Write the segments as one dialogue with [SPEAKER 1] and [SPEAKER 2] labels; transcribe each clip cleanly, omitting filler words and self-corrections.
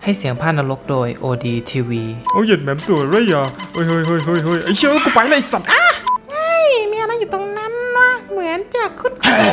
[SPEAKER 1] ให้เสียงพากย์นรกโดย OD TV
[SPEAKER 2] เอาหยุดแหม่มตัวไรอ่ะเฮ้ยไอ้เชี่ยกูไปเลยสัตว์
[SPEAKER 3] มีอะไรอยู่ตรงนั้นวะเหมือนจะคุ้น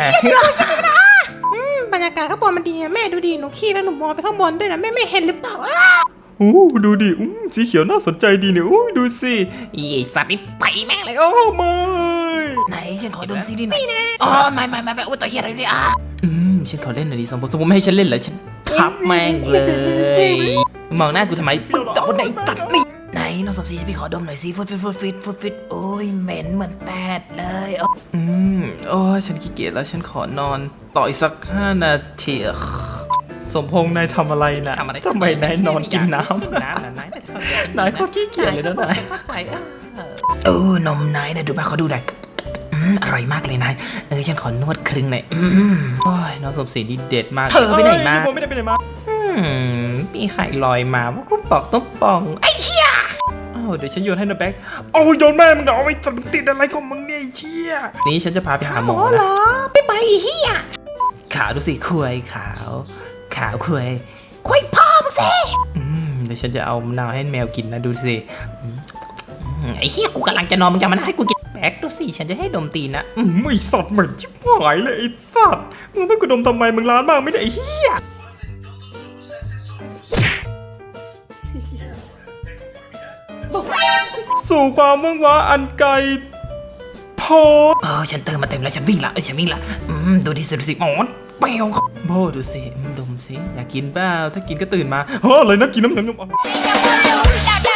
[SPEAKER 3] บรรยากาศข้างบนมันดีอะแม่ดูดิหนูขี้แล้วหนูมองไปข้างบนด้วยนะแม่เห็นหรือเปล่า
[SPEAKER 2] ดูดิสีเขียวน่าสนใจดีเนี่ยดูสิ
[SPEAKER 3] สัตว์นี่ไปแม่งเลย
[SPEAKER 2] โอ้ไม่
[SPEAKER 3] ไหนฉันขอดมซีดีหน่อยอ๋อไม่อุ้ยตัวเฮียอะไรเนี่ย
[SPEAKER 1] ฉันขอเล่นหน่อยดิสมมติไม่ให้ฉันเล่นเหรอฉันทับแม่งเลยมองหน้ากูทำไมมึงเอาไหนตัดนี่
[SPEAKER 3] ไหนน้องสมศรีพี่ขอดมหน่อยสิฟุดโอ้ยเหม็นเหมือนแตดเลย
[SPEAKER 1] โอ้ฉันขี้เกียจแล้วฉันขอนอนต่ออีกสัก5 นาทีสมพงษ์นายทำอะไรนะทำไมนายนอนกินน้ำนายโคตรขี้เกียจเลยนะนาย
[SPEAKER 3] เข้าใจนมนายนะดูมาเขาดูหน่อยอร่อยมากเลยนายฉันขอนวดครึ่งหน่อย
[SPEAKER 1] โอ้ยน้องสมศรีนี่เด็ดมาก
[SPEAKER 3] เธอไปไหนมา
[SPEAKER 2] ผมไม่ได้ไปไหนมา
[SPEAKER 1] มีไข่ลอยมาว่ากูปอกต้องปองไอ้เหี้ยเดี๋ยวฉันโยนให้นะแบ็ค
[SPEAKER 2] โอ้ยโดนแม่มึงเอาไอ้สัตว์ติดอะไรของมึงเนี่ยไอ้เชี่ย
[SPEAKER 1] นี่ฉันจะพาไปหาหมอ
[SPEAKER 3] เหร
[SPEAKER 1] นะ
[SPEAKER 3] อไม่ไปอีเหี้ย
[SPEAKER 1] ขาวดูสิคุยขาวคุย
[SPEAKER 3] คุยพ่อมึงสิ
[SPEAKER 1] เดี๋ยวฉันจะเอามะนาวให้แมวกินนะดูสิ
[SPEAKER 3] ไอ้เหี้ยกูกำลังจะนอนมึงจะมาให้กูกิน
[SPEAKER 1] แบ็คดูสิฉันจะให้ดมตีนนะ
[SPEAKER 2] ไม่สัตว์เหมือนชิบหายเลยไอ้สัตว์มึงไม่กระดมทำไมมึงร้านมากไม่ได้ไอ้เหี้ยสู่ความว่างว้าอันไกลโพ
[SPEAKER 3] ฉันเติมมาเต็มแล้วฉันวิ่งละดูดิสิหมอนเปรี้ยว
[SPEAKER 1] โบดูสิดมสิอยากกินเปล่าถ้ากินก็ตื่นมา
[SPEAKER 2] อะไรนะกินน้ำ
[SPEAKER 4] Hãy subscribe cho kênh Ghiền Mì Gõ để không bỏ lỡ